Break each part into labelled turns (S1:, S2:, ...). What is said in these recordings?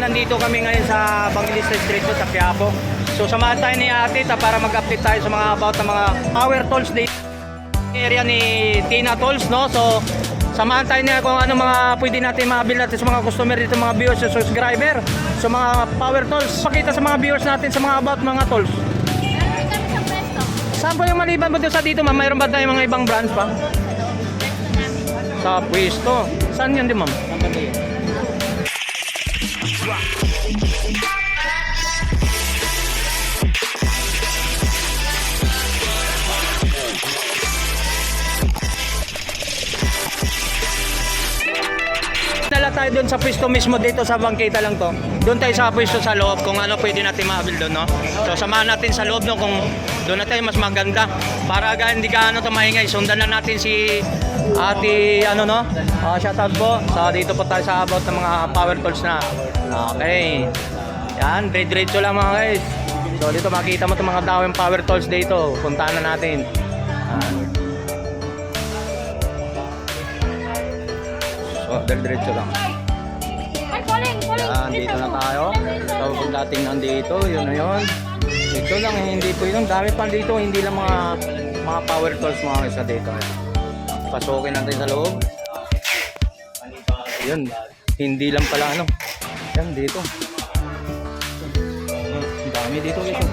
S1: nandito kami ngayon sa Evangelista Street sa Quiapo. So samahan tayo ni Ate para mag-update tayo sa mga about ng mga power tools dito area ni Tina Tools, no? So samahan tayo niya kung ano mga pwede natin mabili natin sa mga customer dito, mga viewers sa subscriber. So mga power tools, pakita sa mga viewers natin sa mga about mga tools. Saan po yung maliban mo doon sa dito, ma'am? Mayroon ba tayong mga ibang branch pa? Sa pwesto. Saan yun din, ma'am? Dala tayo doon sa pwesto mismo dito sa bangkita lang to. Doon tayo sa pwesto sa loob kung ano pwede natin mabil doon, no? So samahan natin sa loob, no, kung doon na tayo mas maganda para hindi ka ano to maingay. Sundan na natin si Ate ano, no? Shoutout po. So dito po tayo sa about ng mga power tools na. Okay. Yan, diretso lang mga guys. So dito makita mo 'tong mga dawang power tools dito. Puntahan na natin. So diretso lang. Yan, dito na tayo. So kung dating nandito, yun na yun. Ito lang, hindi po yun. Dami pa dito, hindi lang mga power tools mga isa dito. Pasukin natin sa loob. Yun, hindi lang pala ano. Yan, dito. Dami dito ito.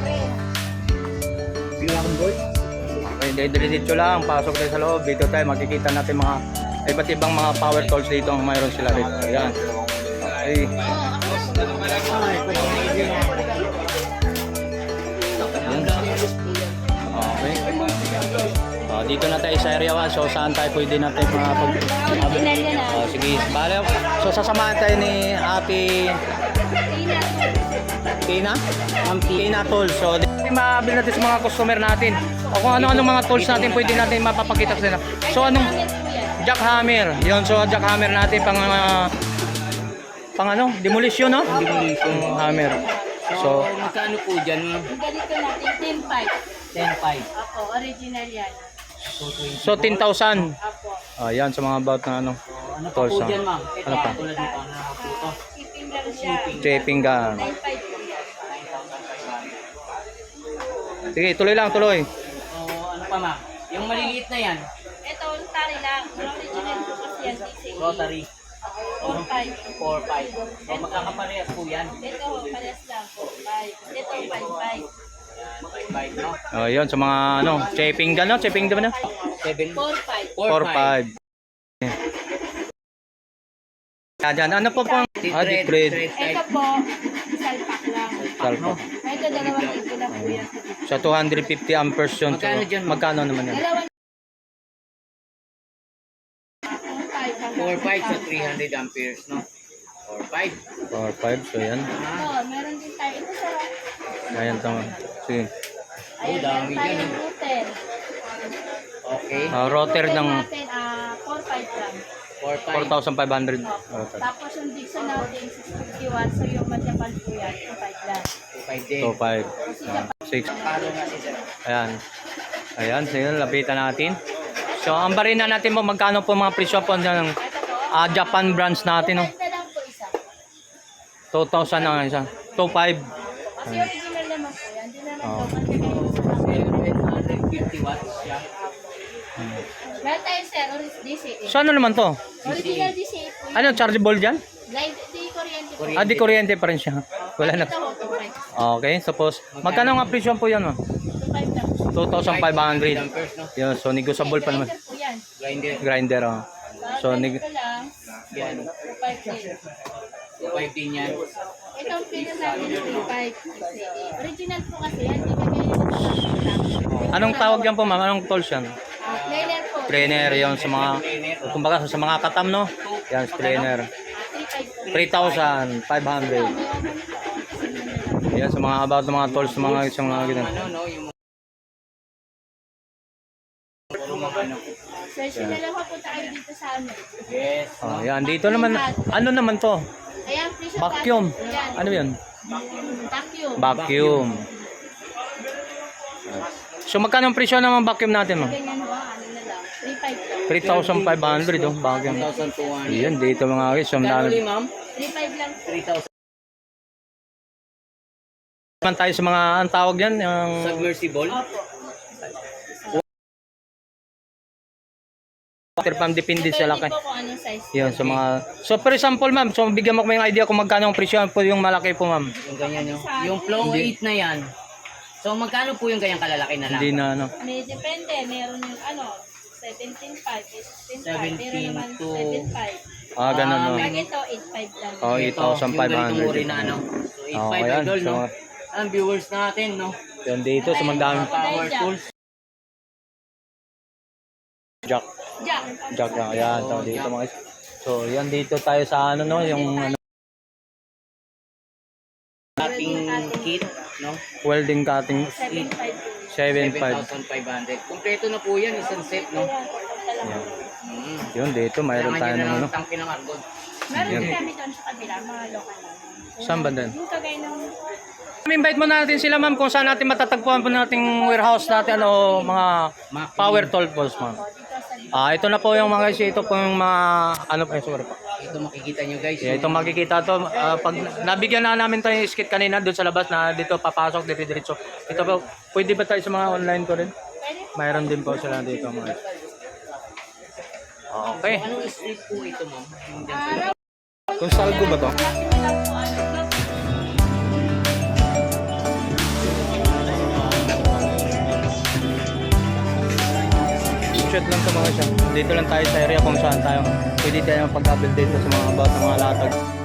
S1: Okay, diretso lang, pasok tayo sa loob. Dito tayo, makikita natin mga iba't ibang mga power tools dito ang mayroon sila dito. Ayan. Okay. Okay. Dito na tayo sa area 1. So saan tayo pwede natin sige, bale. So sasamahan tayo ni Ate Tina? Tina Tools. So mabili natin sa mga customer natin. O kung ano-ano mga tools natin pwede natin mapapakita sa nila. So anong jackhammer? Yun, so jackhammer natin pang ano? Demolition, no? Demolition hammer. So,
S2: magkano po dyan?
S3: Ganito natin, 10.5.
S2: 10.5.
S3: Opo, original yan.
S1: So 10,000.
S3: Opo.
S1: Ayan, sa mga about na ano.
S2: Ano pa po dyan, ma'am?
S1: Ano pa?
S2: Tulad nito, ano pa po ito?
S3: Shipping lang siya.
S1: Shaping gun.
S3: 9.5 po yan.
S1: Sige, tuloy lang, tuloy.
S2: So, ano pa, ma'am? Yung maliliit na yan,
S3: Ito, tari lang. Original po kasi yan, DCA.
S2: rotary.
S3: 4.5.
S2: 4.5. So, magkakaparehas po yan.
S3: Ito, pares lang, 4.5. Ito, 5.5.
S2: 5.5, no?
S1: Ayun, sa mga ano, shaping gun, no? Shaping gun, no?
S2: 7.
S3: 4.5.
S1: 4-5. Yan, ano po pang? Deep thread.
S3: Ito po, salpak lang.
S1: Salpa.
S3: Ito, 2,000 lang po yan.
S1: Sa 250 amperes yun. So,
S2: Magkano dyan, ma'am?
S1: magkano naman yan?
S2: 4.5 sa 300 amperes, no? 4.5.
S1: 4-5, so yan.
S3: Ito, meron din tayo. Ito, sarap.
S1: Ayan, tama. Sige.
S3: Ayan,
S2: dami
S3: meron tayo
S2: yan,
S3: ng router.
S2: Okay.
S1: Router ng
S3: natin, 4.5 lang.
S1: 4,500.
S2: 4.5.
S3: Opo. Tapos yung Dixon natin, 650 watts. So yung Madjapan po yan, 2.5 lang.
S2: 2.5 din.
S1: 2-5.
S3: Kasi Japan,
S1: 6.
S2: Palo nga si sir.
S1: Ayan. Ayan, sige, lapitan natin. So, ang barina natin po, magkano po mga presyo po ng
S3: ito po,
S1: Japan branch natin, no?
S3: 2.5 na lang po isa.
S1: 2,000 ang isa. 2,500.
S3: Kasi original naman po yan. Hindi naman
S1: Oo.
S3: daw.
S2: 750 watts siya.
S3: Meron tayo sir, DCA.
S1: So, ano naman to?
S3: Original DCA po yan.
S1: Ano, chargeable dyan?
S3: Di kuryente po.
S1: Di kuryente pa rin siya. Wala na.
S3: Ito po, 2.5.
S1: Okay, suppose. Magkano nga presyo po yan, no?
S3: 2.5 lang.
S1: 2,500.
S2: Amperes, no?
S1: Yun, so negotiable pa naman.
S3: Grinder po yan.
S2: Grinder.
S1: Grinder, oh. So,
S3: Ito lang,
S2: Yan.
S3: 2.5 din.
S2: 2.5 din yan.
S3: Ito ang pino natin, 3.5 DCA. Original po kasi yan. Di kagaya ng
S1: Anong tawag yan po, ma'am? Anong tools yan?
S3: Planer po.
S1: Trainer, yun sa mga, kumbaga sa mga katam, no? Yan, trainer.
S3: 3.5 po.
S1: 3,500. Yan, sa mga about ng mga tools, sa mga ganyan.
S2: Ano, no? Yung puro mga ano.
S3: Search na lang po tayo dito sa amin.
S2: Yes.
S1: Oh, yan, dito naman, ano naman to?
S3: Ayan, presyo
S1: Vacuum.
S3: natin. Yan.
S1: Ano yun?
S3: Vacuum.
S1: Vacuum. So magkano ang presyo ng vacuum natin, ma'am?
S3: Ganyan ba? Ano na lang? 3.5 lang.
S1: 3,500, oh, vacuum.
S2: 1,200.
S1: Yan, dito mga guys. So,
S2: Kano ulit, ma'am?
S3: 3.5 lang.
S2: 3,000.
S1: Naman tayo sa mga, ang tawag yan, yung
S2: Submersible.
S3: Opo.
S1: water pump, depende sa laki.
S3: Depende po kung anong size.
S1: Yun, sa mga... So, for example, ma'am, so bigyan mo ko yung idea kung magkano ang presyo po yung malaki po, ma'am.
S2: Yung ganyan yung, yung flow 8 na yan. So magkano po yung ganyang kalalaki na lang?
S1: Hindi na, ano.
S3: May depende. Meron yung 17.5, 16.5. Meron naman
S2: 17 to-
S3: 7.5.
S1: Ah, ganun, no.
S3: Pag ito, 8.5 lang.
S1: Oh,
S2: Ito, yung ganitong uri
S1: 8,500.
S2: na ano. So 8.5
S1: Oh, ayan.
S2: idol, no?
S1: So,
S2: Ang viewers natin, no?
S1: yun dito, sa mandaming
S2: Power tools.
S1: jack.
S3: Jack.
S1: Jack, ayan. So, dito mga... So, yan dito tayo sa ano, no, yung ano,
S2: Cutting kit, no?
S1: welding cutting
S3: 7.5 po.
S1: 7.5.
S2: 7,500. Kompleto na po yan, isang set, no?
S3: Ayan.
S1: Yun, dito, mayroon
S2: Kailangan
S1: tayo
S2: nyo
S1: ng
S2: na
S1: ano.
S2: ng tangke ng argon.
S3: Meron
S1: Yan.
S3: din kami doon sa kabila, mga local lang.
S1: Saan ba doon?
S3: Yung kagaya ng
S1: Invite mo natin sila, ma'am, kung saan natin matatagpuan po nating warehouse natin o mga power tool balls, ma'am.
S3: dito sa
S1: Ito na po yung mga guys, ito po yung mga ano pa, sorry po.
S2: Ito makikita nyo guys.
S1: Yeah, ito makikita to pag nabigyan na namin tayo yung skit kanina doon sa labas na dito papasok diretso. Ito po, pwede ba tayo sa mga online ko rin? Mayroon din po sila dito mga. Okay.
S2: Anong street po ito, ma'am? Yung dyan sa-
S3: araw.
S1: Kung salgo ba to? Shoot lang sa mga siya. Dito lang tayo sa area kung saan tayo. Pwede tayo magpag-update dito sa mga about ng mga latag.